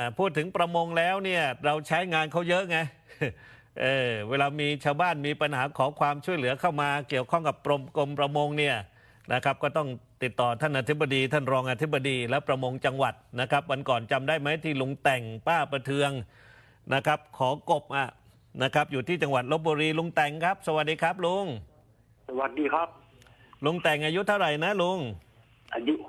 พูดถึงประมงแล้วเนี่ยเราใช้งานเขาเยอะไง เวลามีชาวบ้านมีปัญหาขอความช่วยเหลือเข้ามาเกี่ยวข้องกับกรมประมงเนี่ยนะครับก็ต้องติดต่อท่านอธิบดีท่านรองอธิบดีและประมงจังหวัดนะครับวันก่อนจำได้ไหมที่ลุงแต่งป้าประเทืองนะครับขอกบนะครับอยู่ที่จังหวัดลพบุรีลุงแต่งครับสวัสดีครับลุงสวัสดีครับลุงแต่งอายุเท่าไหร่นะลุงอายุ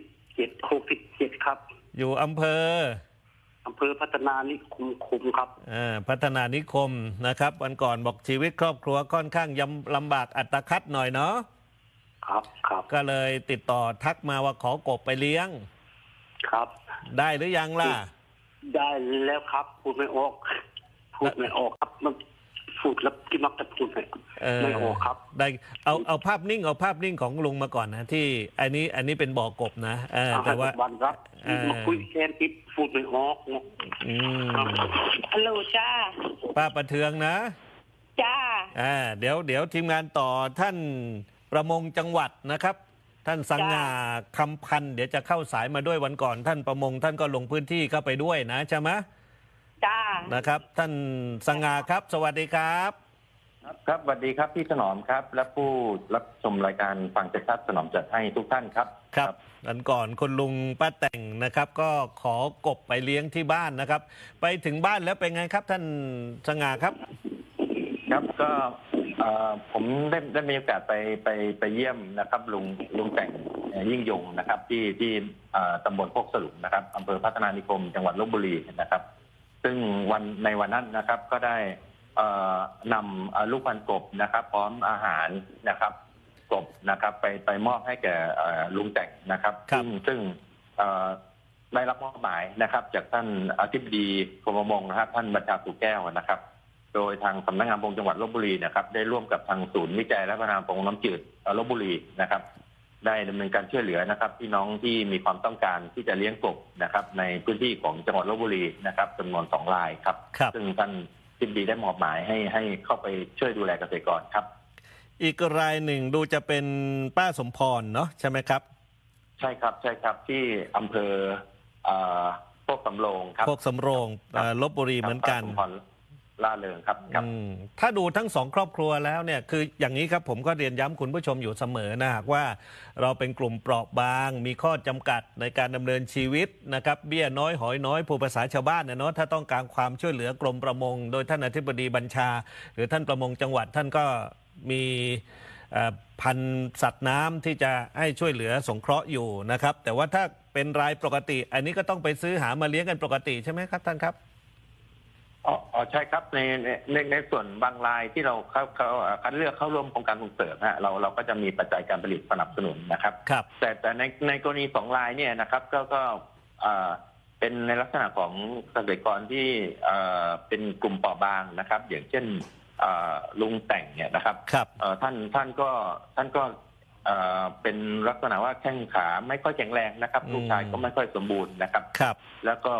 67ครับอยู่อำเภอพัฒนานิคมครับพัฒนานิคมนะครับวันก่อนบอกชีวิตครอบครัวค่อนข้างลำบากอัตคัดหน่อยเนาะครับก็เลยติดต่อทักมาว่าขอกบไปเลี้ยงครับได้หรือยังล่ะได้แล้วครับพูดไม่ออกครับมันพูดแล้วที่มักจะพูดไม่ออกครับได้เอาภาพนิ่งของลุงมาก่อนนะที่อันนี้เป็นบ่อกบนะแต่ว่าวันครับมาคุยแค่ติดพูดไม่ออกฮัลโหลจ้าป้าประเทืองนะจ้าเดี๋ยวทีมงานต่อท่านประมงจังหวัดนะครับท่านสังงาคำพันธ์เดี๋ยวจะเข้าสายมาด้วยวันก่อนท่านประมงท่านก็ลงพื้นที่เข้าไปด้วยนะใช่ไหมจ้านะครับท่านสังงาครับสวัสดีครับครับสวัสดีครับพี่ถนอมครับและผู้รับชมรายการฟังชัดถนอมจัดให้ทุกท่านครับครับวันก่อนคุณลุงป้าแต่งนะครับก็ขอกบไปเลี้ยงที่บ้านนะครับไปถึงบ้านแล้วเป็นไงครับท่านสังงาครับครับก็ผมได้มีโอกาสไปเยี่ยมนะครับลุงแต่งยิ่งยงนะครับที่ตำบลโคกสลุงนะครับอำเภอพัฒนานิคมจังหวัดลพบุรีนะครับซึ่งในวันนั้นนะครับก็ได้นำลูกพันกบนะครับพร้อมอาหารนะครับกบนะครับไปมอบให้แก่ลุงแต่งนะครับซึ่งได้รับมอบหมายนะครับจากท่านอธิบดีกรมประมงนะครับท่านบัญชาสุแก้วนะครับโดยทางสำนักงานประมงจังหวัดลพบุรีนะครับได้ร่วมกับทางศูนย์วิจัยและพัฒนาประมงน้ำจืดลพบุรีนะครับได้ดำเนินการช่วยเหลือนะครับพี่น้องที่มีความต้องการที่จะเลี้ยงกบนะครับในพื้นที่ของจังหวัดลพบุรีนะครับจำนวน2 รายครับซึ่งท่านอธิบดีได้มอบหมายให้เข้าไปช่วยดูแลเกษตรกรครับอีกรายหนึ่งดูจะเป็นป้าสมพรเนาะใช่ไหมครับใช่ครับที่อำเภอโคกสำโรงครับโคกสำโรงลพบุรีเหมือนกันล่าเริงครับถ้าดูทั้งสองครอบครัวแล้วเนี่ยคืออย่างนี้ครับผมก็เรียนย้ำคุณผู้ชมอยู่เสมอนะหากว่าเราเป็นกลุ่มเปราะบางมีข้อจำกัดในการดำเนินชีวิตนะครับเบี้ยน้อยหอยน้อยผู้ภาษาชาวบ้านเนาะถ้าต้องการความช่วยเหลือกรมประมงโดยท่านอธิบดีบัญชาหรือท่านประมงจังหวัดท่านก็มีพันธุ์สัตว์น้ำที่จะให้ช่วยเหลือสงเคราะห์อยู่นะครับแต่ว่าถ้าเป็นรายปกติอันนี้ก็ต้องไปซื้อหามาเลี้ยงกันปกติใช่ไหมครับท่านครับใช่ครับในส่วนบางรายที่เราคัดเลือกเข้าร่วมโครงการส่งเสริมเราก็จะมีปัจจัยการผลิตสนับสนุนนะครับแต่ในกรณี2 รายเนี่ยนะครับก็เป็นในลักษณะของเกษตรกรที่เป็นกลุ่มเปราะบางนะครับอย่างเช่นลุงแต่งเนี่ยนะครับท่านก็เป็นลักษณะว่าแข้งขาไม่ค่อยแข็งแรงนะครับลูกชายก็ไม่ค่อยสมบูรณ์นะครับแล้วก็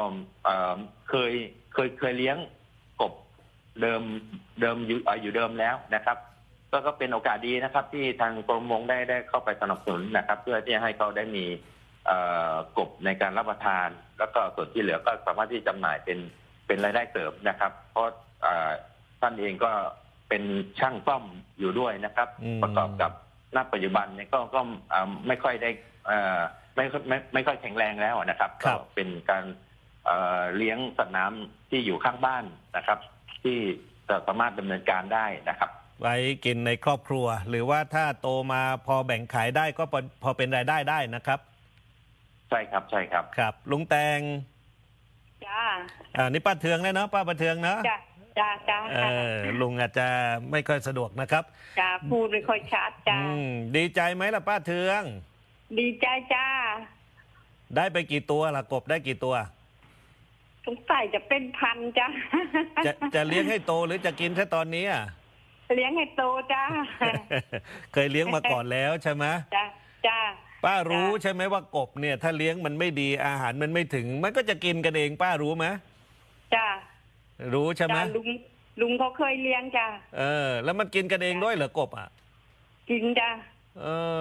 เคยเลี้ยงกบเดิมอยู่เดิมแล้วนะครับก็เป็นโอกาสดีนะครับที่ทางกรมประมงได้เข้าไปสนับสนุนนะครับเพื่อที่ให้เขาได้มีกบในการรับประทานแล้วก็ส่วนที่เหลือก็สามารถที่จำหน่ายเป็นรายได้เสริมนะครับเพราะท่านเองก็เป็นช่างซ่อมอยู่ด้วยนะครับประกอบกับณปัจจุบันเนี่ยก็ไม่ค่อยได้ไม่ค่อยแข็งแรงแล้วนะครับก็เป็นการเลี้ยงสัตว์น้ำที่อยู่ข้างบ้านนะครับที่สามารถดำเนินการได้นะครับไว้กินในครอบครัวหรือว่าถ้าโตมาพอแบ่งขายได้ก็พอเป็นรายได้ได้นะครับใช่ครับครับลุงแตงจ้านี่ป้าเทืองเลยเนาะป้าประเทืองเนาะจ้าลุงอาจจะไม่ค่อยสะดวกนะครับจ้าพูดไม่ค่อยชัดจ้าดีใจไหมล่ะป้าเทืองดีใจจ้าได้ไปกี่ตัวล่ะกบได้กี่ตัวสงสัยจะเป็นพันจ้าจะเลี้ยงให้โตหรือจะกินแค่ตอนนี้เลี้ยงให้โตจ้าเคยเลี้ยงมาก่อนแล้วใช่ไหมจ้าป้ารู้ใช่ไหมว่ากบเนี่ยถ้าเลี้ยงมันไม่ดีอาหารมันไม่ถึงมันก็จะกินกันเองป้ารู้ไหมจ้ารู้ใช่ไหมลุงเขาเคยเลี้ยงจ้าแล้วมันกินกันเองด้วยเหรอกบกินจ้า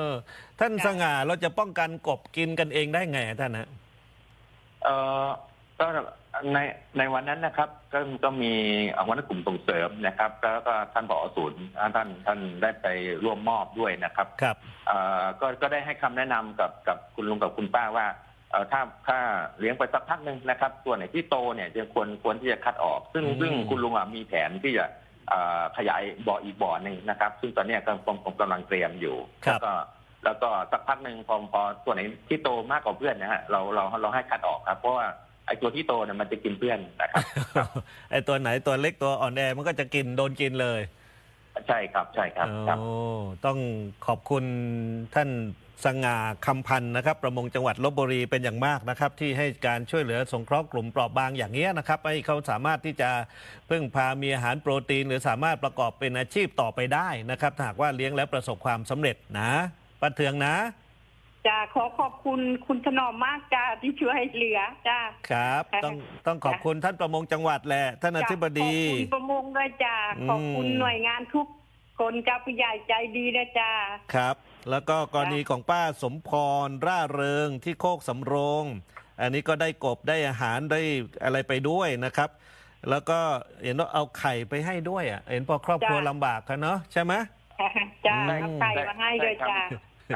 ท่านสง่าเราจะป้องกันกบกินกันเองได้ไงท่านนะก็ในวันนั้นนะครับก็มีวันนั้นกลุ่มส่งเสริมนะครับแล้วก็ท่านผอ.ศูนย์ท่านได้ไปร่วมมอบด้วยนะครับครับก็ได้ให้คำแนะนำกับคุณลุงกับคุณป้าว่าถ้าเลี้ยงไปสักพักหนึ่งนะครับตัวไหนที่โตเนี่ยจะควรที่จะคัดออก ซึ่งคุณลุงมีแผนที่จะขยายบ่ออีกบ่อหนึ่งนะครับซึ่งตอนนี้ผมกำลังเตรียมอยู่แล้วก็สักพักหนึ่งพอตัวไหนที่โตมากกว่าเพื่อนนะฮะเราให้คัดออกครับเพราะว่าไอ้ตัวที่โตเนี่ยมันจะกินเพื่อนนะครับไอ้ตัวไหนตัวเล็กตัวอ่อนแอมันก็จะโดนกินเลยใช่ครับครับโอ้ต้องขอบคุณท่านสง่าคำพันธ์นะครับประมงจังหวัดลพบุรีเป็นอย่างมากนะครับที่ให้การช่วยเหลือสงเคราะห์กลุ่มเปราะบางอย่างนี้นะครับให้เขาสามารถที่จะพึ่งพามีอาหารโปรตีนหรือสามารถประกอบเป็นอาชีพต่อไปได้นะครับถ้าหากว่าเลี้ยงแล้วประสบความสำเร็จนะป้าเทืองนะจ้าขอบคุณคุณถนอมมากจ้าที่ช่วยเหลือจ้าครับต้องขอบคุณท่านประมงจังหวัดแหละท่านอธิบดีขอบคุณประมงด้วยจ้าขอบคุณหน่วยงานทุกคนจ้าผู้ใหญ่ใจดีนะจ้าครับแล้วก็กรณีของป้าสมพรร่าเริงที่โคกสำโรงอันนี้ก็ได้กบได้อาหารได้อะไรไปด้วยนะครับแล้วก็เห็นว่าเอาไข่ไปให้ด้วยอ่ะเห็นพอครอบครัวลำบากกันเนาะใช่ไหมจ้าเอาไข่มาให้ด้วยจ้า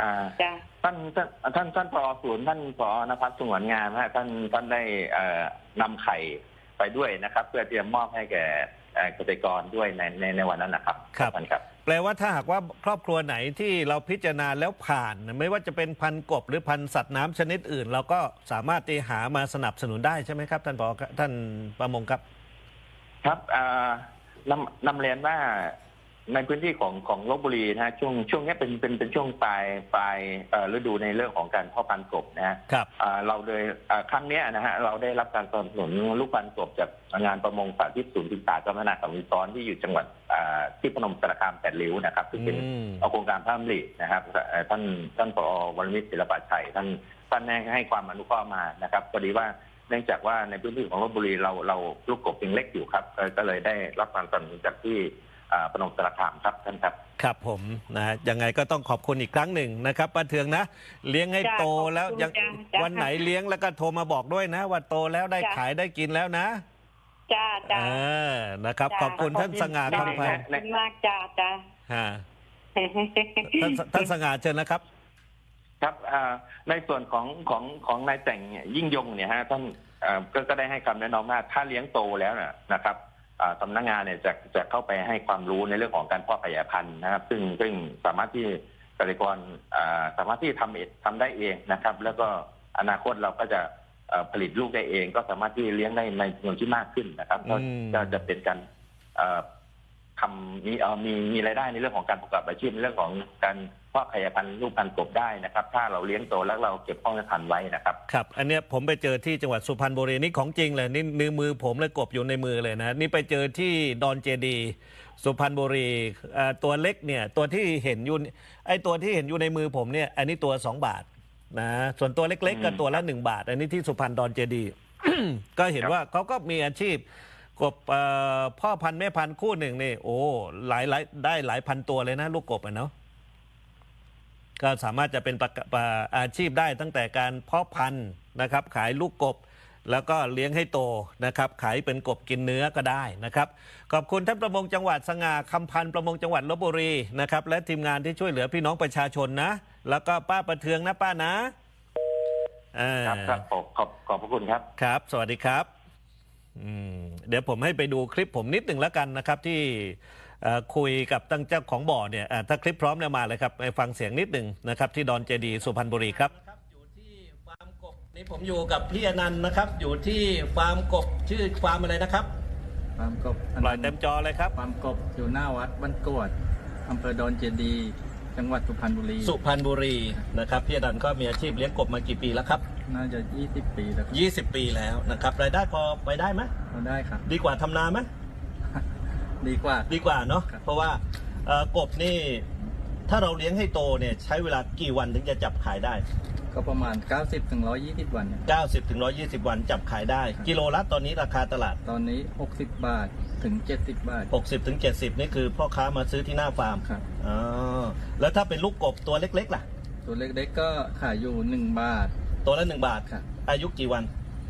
ท่านผอ.ศูนย์ท่านผอ.ณภัสสงวนงามท่านได้นำไข่ไปด้วยนะครับเพื่อเตรียมมอบให้แก่เกษตรกรด้วยในวันนั้นนะครับครับแปลว่าถ้าหากว่าครอบครัวไหนที่เราพิจารณาแล้วผ่านไม่ว่าจะเป็นพันธุ์กบหรือพันธุ์สัตว์น้ำชนิดอื่นเราก็สามารถที่หามาสนับสนุนได้ใช่ไหมครับท่านผอ.ท่านประมงครับครับนำเรียนว่าในพื้นที่ของลพบุรีนะช่วงนี้เป็นช่วงปลายฤดูในเรื่องของการเพาะพันธุ์กบนะครับเราเลยครั้งนี้นะฮะเราได้รับการสนับสนุนลูกพันธุ์กบจากงานประมงสาธิตศูนย์ศึกษาการพัฒนาสังคมซ้อนที่อยู่จังหวัดที่พนมสารคาม8ริ้วนะครับซึ่งเป็นโครงการพระมรินะครับท่านผอ.วรมิตรศิลปะชัยท่านให้ความอนุเคราะห์มานะครับพอดีว่าเนื่องจากว่าในพื้นที่ของลพบุรีเราลูกกบยังเล็กอยู่ครับก็เลยได้รับการสนับสนุนจากที่พนมสารคามครับท่านครับครับผมนะยังไงก็ต้องขอบคุณอีกครั้งหนึ่งนะครับป้าเทืองนะเลี้ยงให้โตแล้วยังวันไหนเลี้ยงแล้วก็โทรมาบอกด้วยนะว่าโตแล้วได้ขายได้กินแล้วนะจ้านะครับขอบคุณท่านสง่าคำพันธ์มากจ้าท่านสง่าเชิญนะครับครับในส่วนของนายแต่งยิ่งยงเนี่ยฮะท่านก็ได้ให้คำแนะนำว่าถ้าเลี้ยงโตแล้วนะครับสำนักงานเนี่ยจะเข้าไปให้ความรู้ในเรื่องของการเพาะขยายพันธุ์นะครับซึ่งสามารถที่เกษตรกรสามารถที่ทำได้เองนะครับแล้วก็อนาคตเราก็จะผลิตลูกได้เองก็สามารถที่เลี้ยงได้ในจำนวนที่มากขึ้นนะครับก็จะเป็นการมีรายได้ในเรื่องของการประกอบอาชีพในเรื่องของการเพาะขยายพันธุ์ลูกพันธุ์กบได้นะครับถ้าเราเลี้ยงโตแล้วเราเก็บพ่อแม่พันธุ์ไว้นะครับครับอันเนี้ยผมไปเจอที่จังหวัดสุพรรณบุรีนี่ของจริงเลยนี่นิ้วมือผมเลยกบอยู่ในมือเลยนะนี่ไปเจอที่ดอนเจดีสุพรรณบุรีตัวเล็กเนี่ยตัวที่เห็นอยู่ไอ้ตัวที่เห็นอยู่ในมือผมเนี่ยอันนี้ตัว2 บาทนะส่วนตัวเล็กๆก็ตัวละ1 บาทอันนี้ที่สุพรรณดอนเจดี ก็เห็นว่าเขาก็มีอาชีพกบพ่อพันธุ์แม่พันธุ์คู่หนึ่งนี่โอ้ได้หลายพันตัวเลยนะลูกกบเนาะก็สามารถจะเป็นอาชีพได้ตั้งแต่การเพาะพันธุ์นะครับขายลูกกบแล้วก็เลี้ยงให้โตนะครับขายเป็นกบกินเนื้อก็ได้นะครับขอบคุณท่านประมงจังหวัดสง่าคำพันธ์ประมงจังหวัดลพบุรีนะครับและทีมงานที่ช่วยเหลือพี่น้องประชาชนนะแล้วก็ป้าประเทืองนะป้านะครับขอบพระคุณครับครับสวัสดีครับเดี๋ยวผมให้ไปดูคลิปผมนิดหนึ่งแล้วกันนะครับที่คุยกับตั้งเจ้าของบ่อเนี่ยถ้าคลิปพร้อมเนี่ยมาเลยครับไปฟังเสียงนิดหนึ่งนะครับที่ดอนเจดีสุพรรณบุรีครับอยู่ที่ฟาร์มกบนี่ผมอยู่กับพี่อนันต์นะครับอยู่ที่ฟาร์มกบชื่อฟาร์มอะไรนะครับฟาร์มกบปล่อยเต็มจอเลยครับฟาร์มกบอยู่หน้าวัดบ้านกวดอำเภอดอนเจดีจังหวัดสุพรรณบุรีนะครับพี่อนันต์ก็มีอาชีพเลี้ยงกบมากี่ปีแล้วครับน่าจะ20 ปีแล้ว 20 ปีแล้วนะครับรายได้พอไปได้ไหมพอได้ครับดีกว่าทำนาไหมดีกว่าเนาะเพราะว่ากบนี่ถ้าเราเลี้ยงให้โตเนี่ยใช้เวลากี่วันถึงจะจับขายได้ก็ประมาณ90 ถึง 120 วัน 90 ถึง 120 วันจับขายได้กิโลละตอนนี้ราคาตลาดตอนนี้60 บาทถึง70 บาท 60 ถึง 70นี่คือพ่อค้ามาซื้อที่หน้าฟาร์มครับแล้วถ้าเป็นลูกกบตัวเล็กๆล่ะตัวเล็กๆก็ขายอยู่1 บาทตัวละ1 บาทครับอายุกี่วัน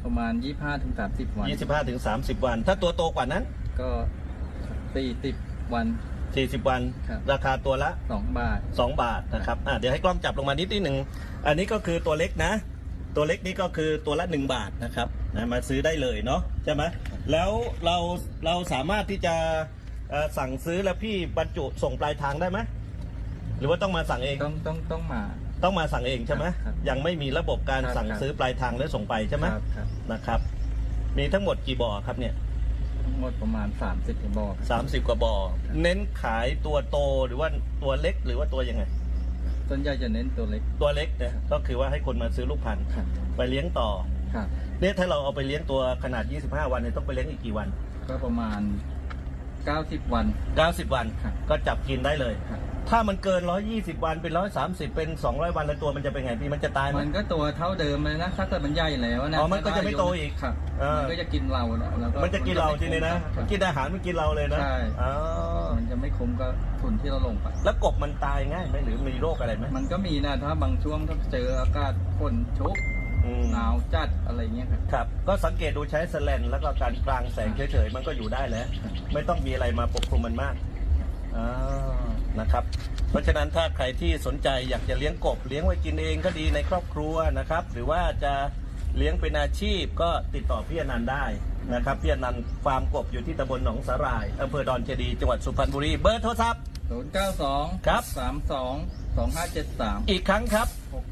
ประมาณ 25-30 วัน 25 ถึง 30 วัน ถ้าตัวโตกว่านั้นก็40 วัน 40 วันครับราคาตัวละ 2 บาท 2 บาทนะครับเดี๋ยวให้กล้องจับลงมานิดหนึ่งอันนี้ก็คือตัวเล็กนะ ตัวเล็กนี่ก็คือตัวละ1 บาทนะครับมาซื้อได้เลยเนาะใช่ไหมแล้วเราสามารถที่จะสั่งซื้อแล้วพี่บรรจุส่งปลายทางได้ไหมหรือว่าต้องมาสั่งเองต้องมาต้องมาสั่งเองใช่ไหมครับยังไม่มีระบบการครับสั่งซื้อปลายทางแล้วส่งไปใช่ไหมครับนะครับ มีทั้งหมดกี่บ่อครับเนี่ยทั้งหมดประมาณ 30กว่าบ่อครับ 30 กว่าบ่อเน้นขายตัวโตหรือว่าตัวเล็กหรือว่าตัวยังไงส่วนใหญ่จะเน้นตัวเล็กตัวเล็กเนี่ยก็คือว่าให้คนมาซื้อลูกพันธุ์ครับไปเลี้ยงต่อครับเนี่ยถ้าเราเอาไปเลี้ยงตัวขนาด 25 วันเนี่ยต้องไปเลี้ยงอีกกี่วันก็ประมาณ 90 วัน 90 วันครับก็จับกินได้เลยครับถ้ามันเกิน 120 วันเป็น 130 เป็น 200 วันแล้วตัวมันจะเป็นไงพี่มันจะตายไหมมันก็ตัวเท่าเดิมเลยนะถ้าเกิดมันใหญ่แล้วนะอ๋อมันก็จะไม่โตอีกครับเออมันก็จะกินเราแล้วก็มันจะกินเราทีนี้นะคมัรันบกินอาหารมันกินเราเลยนะใช่อ๋อมันจะไม่คุ้มก็ทุนที่เราลงไปแล้วกบมันตายง่ายไหมหรือมีโรคอะไรไหมมันก็มีนะถ้าบางช่วงถ้าเจออากาศฝนชุกอืมหนาวจัดอะไรเงี้ยครับครับก็สังเกตดูใช้แสแลนแล้วก็การกลางแสงเฉยๆมันก็อยู่ได้แล้ว ไม่ต้องมีอะไรมาปกคลุมมันมากนะครับ เพราะฉะนั้นถ้าใครที่สนใจอยากจะเลี้ยงกบเลี้ยงไว้กินเองก็ดีในครอบครัวนะครับ หรือว่าจะเลี้ยงเป็นอาชีพก็ติดต่อพี่อนันต์ได้นะครับพี่อนันต์ฟาร์มกบอยู่ที่ตำบลหนองสาหร่ายอำเภอดอนเจดีย์จังหวัดสุพรรณบุรีเบอร์โทรศัพท์ 092 ครับ 32 2573 อีกครั้งครับ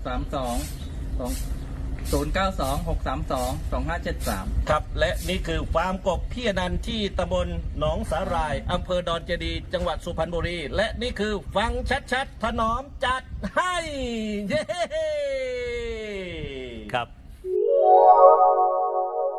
092-632-2573 ครับและนี่คือฟาร์มกบพี่อนันต์ที่ตำบลหนองสาหร่ายอำเภอดอนเจดีย์จังหวัดสุพรรณบุรี และนี่คือฟังชัดๆถนอมจัดให้เย้